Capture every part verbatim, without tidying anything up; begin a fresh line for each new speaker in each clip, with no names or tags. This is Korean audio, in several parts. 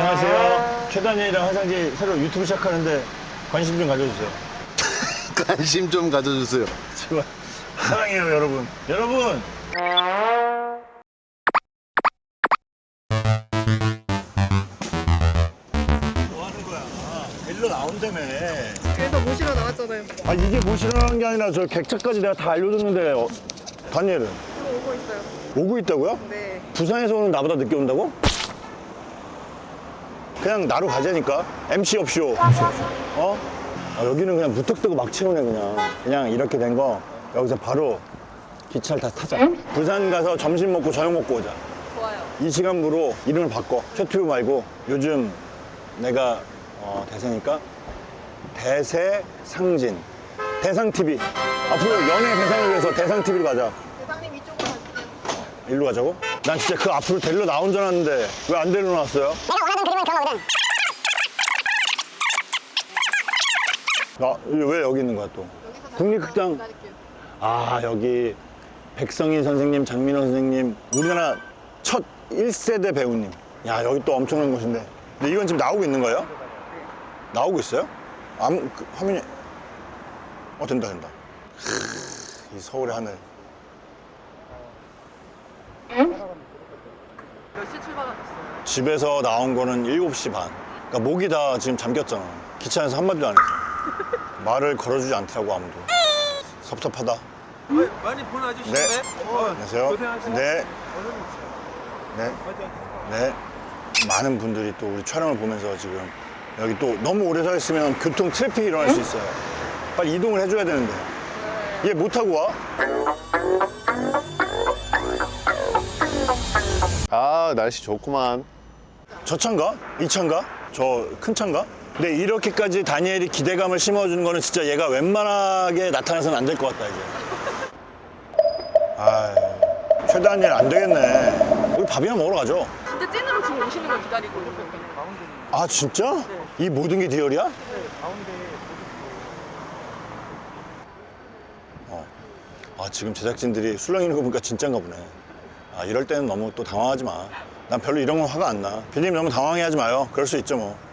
안녕하세요. 최단일이랑 화상지 새로 유튜브 시작하는데 관심 좀 가져주세요.
관심 좀 가져주세요.
제발. 사랑해요, 여러분. 여러분! 뭐 하는 거야? 데리러 나온다며.
그래서 모시러 나왔잖아요.
아, 이게 모시라는 게 아니라 저 객차까지 내가 다 알려줬는데, 어, 다니엘은?
저 오고 있어요.
오고 있다고요?
네.
부산에서 오는 나보다 늦게 온다고? 그냥 나로 가자니까. 엠씨 없쇼. 어? 아, 여기는 그냥 무턱대고 막 채우네, 그냥. 그냥 이렇게 된 거, 여기서 바로 기차를 다 타자. 부산 가서 점심 먹고 저녁 먹고 오자.
좋아요.
이 시간부로 이름을 바꿔. 최튜브 말고 요즘 내가 어, 대세니까 대세상진. 대상티비. 앞으로 연예 대상을 위해서 대상티비로 가자.
대장님 이쪽으로 가실게요.
일로 가자고? 난 진짜 그 앞으로 데리러 나온 줄 알았는데 왜 안 데리러 나왔어요?
내가 원하던 그림은 그런 거거든.
아, 왜 여기 있는 거야 또?
여기서
국립극장.
기다릴게요.
아, 여기 백성인 선생님, 장민호 선생님, 우리나라 첫 일 세대 배우님. 야, 여기 또 엄청난 곳인데. 근데 이건 지금 나오고 있는 거예요? 나오고 있어요? 아무, 그, 화면이. 어, 된다, 된다. 크, 이 서울의 하늘.
몇 시 출발하셨어요?
집에서 나온 거는 일곱 시 반. 그러니까 목이 다 지금 잠겼잖아. 기차 안에서 한마디도 안 했어. 말을 걸어주지 않더라고, 아무도. 섭섭하다.
많이 본 아저씨인데?
네.
어,
안녕하세요.
고생하세요.
네. 네. 네. 많은 분들이 또 우리 촬영을 보면서 지금 여기 또 너무 오래 서 있으면 교통 트래픽이 일어날 수 있어요. 빨리 이동을 해줘야 되는데. 얘 못 타고 와?
아, 날씨 좋구만.
저 차인가? 이 차인가? 저 큰 차인가? 근데 이렇게까지 다니엘이 기대감을 심어주는 거는 진짜 얘가 웬만하게 나타나서는 안 될 것 같다, 이제. 아이, 최다니엘 안 되겠네. 우리 밥이나 먹으러 가죠.
진짜 찐으로 지금 오시는 걸 기다리고 있거든요.
아, 진짜? 이 모든 게 디얼이야? 어. 아, 지금 제작진들이 술렁이는 거 보니까 진짠가 보네. 아, 이럴 때는 너무 또 당황하지 마. 난 별로 이런 건 화가 안 나. 피디님 너무 당황해 하지 마요. 그럴 수 있죠, 뭐.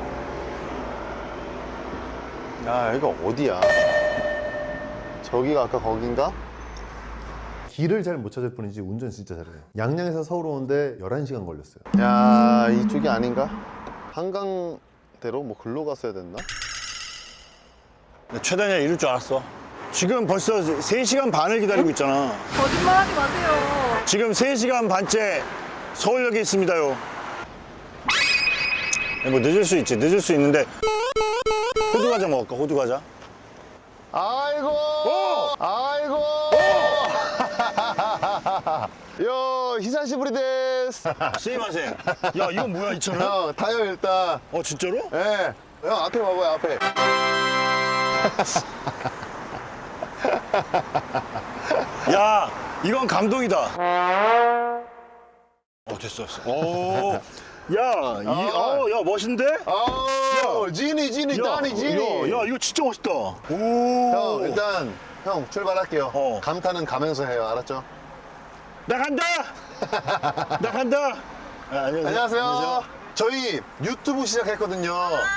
야, 여기가 어디야? 저기가 아까 거긴가?
길을 잘 못 찾을 뿐이지 운전 진짜 잘해요. 양양에서 서울 오는데 열한 시간 걸렸어요.
야, 이쪽이 아닌가? 한강대로 뭐 글로 갔어야 됐나?
최다니엘 이럴 줄 알았어. 지금 벌써 세 시간 반을 기다리고 있잖아.
거짓말 하지 마세요.
지금 세 시간 반째 서울역에 있습니다요. 뭐 늦을 수 있지. 늦을 수 있는데 호두 과자 먹을까? 호두 과자.
아이고!
오!
아이고! 요, 히사시부리 데스.
스미마셍. 야, 이건 뭐야, 이 차는?
형, 타요, 일단.
어, 진짜로?
예. 네. 형, 앞에 봐봐요, 앞에.
야, 이건 감동이다. 어, 됐어, 됐어. 오, 야, 이, 어, 야, 멋있는데?
아, 지니, 지니,
야,
따니, 지니.
야, 야, 이거 진짜 멋있다. 오.
형, 일단, 형, 출발할게요.
어.
감탄은 가면서 해요, 알았죠?
나 간다! 나 간다! 아, 안녕하세요.
안녕하세요. 저희 유튜브 시작했거든요.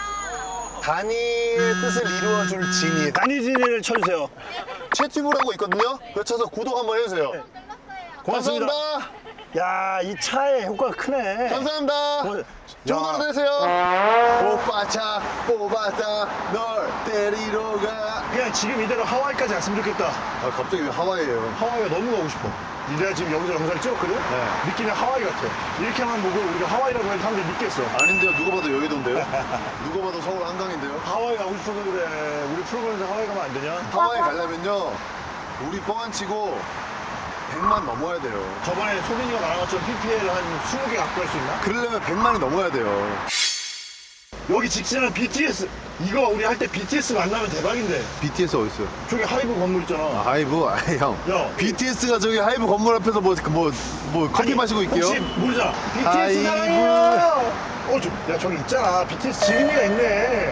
다니의 뜻을 이루어줄 지니.
다니진이를 쳐주세요.
채튜브라고 있거든요. 그거 쳐서 구독 한번 해주세요.
고맙습니다.
감사합니다.
야, 이 차의 효과가 크네.
감사합니다.
고-
좋은
야.
하루 되세요. 오빠차 뽑았다. 널 데리러 가.
그냥 지금 이대로 하와이까지 갔으면 좋겠다.
아, 갑자기 왜 하와이에요?
하와이가 너무 가고 싶어. 내가 지금 여기서 영상을 찍었거든? 느낌이 하와이 같아. 이렇게만 보고 우리가 하와이라고 해도 사람들이 믿겠어.
아닌데요. 누가 봐도 여의도인데요. 누가 봐도 서울 한강인데요.
하와이 가고 싶어서 그래. 우리 프로그램에서 하와이 가면 안 되냐?
하와이 가려면요. 우리 뻥안 치고 백만 넘어야 돼요.
저번에 소빈이가 말한 것처럼 피피엘 한 스무 개 갖고 갈 수 있나?
그러려면 백만이 넘어야 돼요.
여기 직진한 비티에스. 이거 우리 할 때 비티에스 만나면 대박인데.
비티에스 어딨어요?
저기 하이브 건물 있잖아.
아, 하이브? 아이, 형.
야.
비티에스가 저기 하이브 건물 앞에서 뭐, 뭐, 뭐 커피
아니,
마시고 있게요?
혹시 모르잖아. 비티에스
하이브.
사랑해요. 어, 저, 야, 저기 있잖아. 비티에스 지은이가 있네.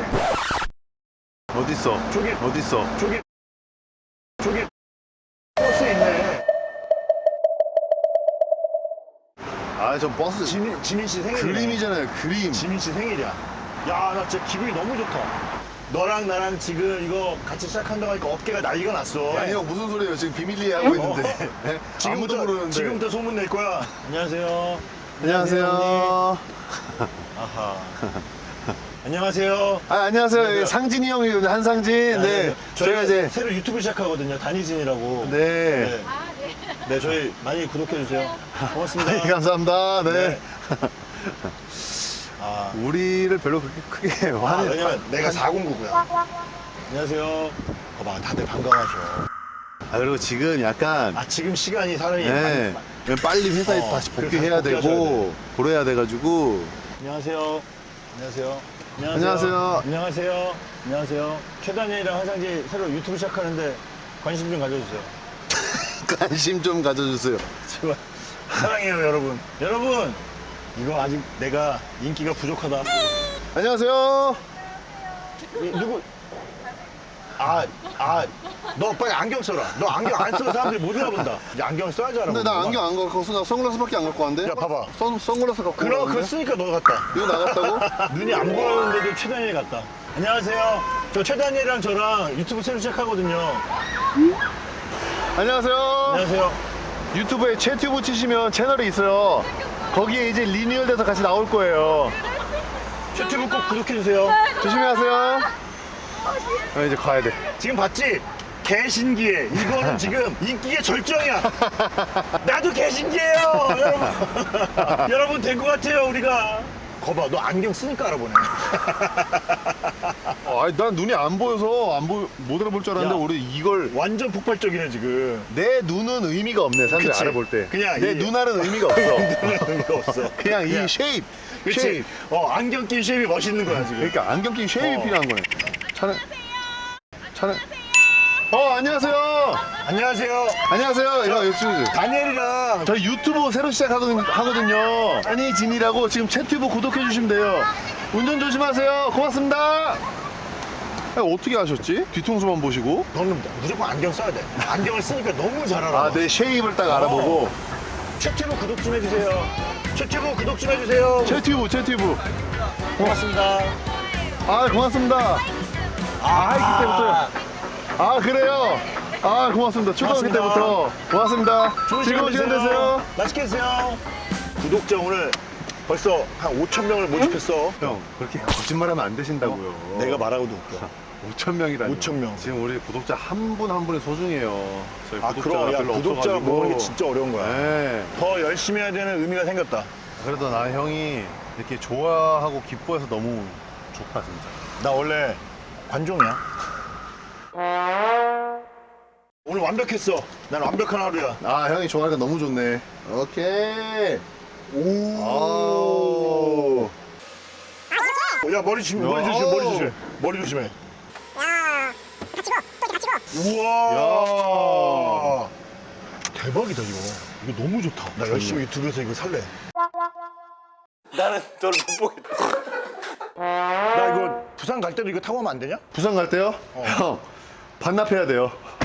어딨어?
저기,
어딨어?
저기, 저기, 버스에 있네.
아, 저 버스
지민, 지민 씨 생일이네.
그림이잖아요, 그림.
지민 씨 생일이야. 야, 나 진짜 기분이 너무 좋다. 너랑 나랑 지금 이거 같이 시작한다고 하니까 어깨가 난리가 났어.
아니 형 무슨 소리예요? 지금 비밀리에 하고 있는데. 네? 아무도
지금부터,
모르는데.
지금부터 소문 낼 거야. 안녕하세요.
안녕하세요.
아하. 안녕하세요.
아, 안녕하세요. 상진이 형이 한상진. 네. 저희가 이제
새로 유튜브 시작하거든요. 단이진이라고.
네.
네. 네, 저희 많이 구독해주세요. 고맙습니다.
네, 감사합니다. 네.
네. 아,
우리를 별로 그렇게 크게
아,
화내.
왜냐면 내가 사공구구야. 안녕하세요. 봐봐, 다들 반가워하셔.
아, 그리고 지금 약간
아, 지금 시간이 사람이.
네.
많이-
빨리 회사에
어,
다시
그래서
복귀해야
복귀하셔야
되고 그래야 돼가지고
안녕하세요. 안녕하세요.
안녕하세요.
안녕하세요. 안녕하세요. 최단이랑 화상지 새로 유튜브 시작하는데 관심 좀 가져주세요.
관심 좀 가져주세요.
제발. 사랑해요, 여러분. 여러분, 이거 아직 내가 인기가 부족하다.
안녕하세요.
이, 누구? 아, 아, 너 빨리 안경 써라. 너 안경 안 써서 사람들이 못 알아본다. 이제 안경 써야지 알아본다.
근데 나 안경 안 갖고 나 선글라스밖에 안 갖고 왔는데.
야, 봐봐.
선, 선글라스 갖고
그럼 그거
왔는데.
쓰니까 너 같다.
이거 나갔다고?
눈이 안 보였는데도 최단일 같다. 안녕하세요. 저 최단이랑 저랑 유튜브 새로 시작하거든요.
안녕하세요.
안녕하세요.
유튜브에 채튜브 치시면 채널이 있어요. 거기에 이제 리뉴얼돼서 같이 나올 거예요.
유튜브 꼭 구독해주세요.
조심히 하세요. 아, 이제 가야 돼.
지금 봤지? 개신기해. 이거는 지금 인기의 절정이야. 나도 개신기해요, 여러분. 여러분 된 것 같아요, 우리가. 거봐, 너 안경 쓰니까 알아보네.
어, 아니, 난 눈이 안 보여서 안 보, 못 알아볼 줄 알았는데
야.
우리 이걸
완전 폭발적이네, 지금.
내 눈은 의미가 없네. 사람들이
그치.
알아볼 때.
그냥
내
이-
눈알은 의미가 없어.
의미가 없어.
그냥 이
그냥-
쉐입.
그치?
쉐입.
어, 안경 낀 쉐입이 멋있는 거야, 지금.
그러니까 안경 낀 쉐입이
어.
필요한 거네. 차는 차는 어, 안녕하세요.
안녕하세요.
안녕하세요. 이거 유튜브.
다니엘이랑
저희 유튜브 새로 시작하거든요. 한이진이라고 지금 채튜브 구독해 주시면 돼요. 운전 조심하세요. 고맙습니다. 아니, 어떻게 아셨지? 뒤통수만 보시고.
너는 무조건 안경 써야 돼. 안경을 쓰니까 너무 잘 알아.
아, 내 쉐입을 딱 알아보고.
최튜브 구독 좀 해주세요. 최튜브 구독 좀 해주세요.
채튜브, 채튜브.
고맙습니다.
아, 고맙습니다. 아, 하이키 때부터요. 아, 그래요? 아, 고맙습니다. 초등학교
고맙습니다.
때부터. 고맙습니다.
좋은
즐거운 시간 되세요.
맛있게 드세요. 구독자 오늘 벌써 한 오천 명을 모집했어.
형, 그렇게 거짓말하면 안 되신다고요.
내가 말하고도 웃겨.
오천 명이라니.
오천 명.
지금 우리 구독자 한 분 한 분이 소중해요. 저희
아,
구독자가
그럼 야,
별로
구독자
없어가지고.
모으는 게 진짜 어려운 거야.
네.
더 열심히 해야 되는 의미가 생겼다.
그래도 나 형이 이렇게 좋아하고 기뻐해서 너무 좋다 진짜.
나 원래 관종이야. 오늘 완벽했어. 난 완벽한 하루야.
아, 형이 좋아하니까 너무 좋네. 오케이.
오. 야, 머리 조심, 머리 조심, 머리 조심. 머리 조심해.
야, 다치고 또 다치고.
우와. 대박이다, 이거. 이거 너무 좋다. 나 열심히 유튜브에서 이거 살래. 나는 너를 못 보겠다. 나 이거 부산 갈 때도 이거 타고 가면 안 되냐?
부산 갈 때요? 형 반납해야 돼요.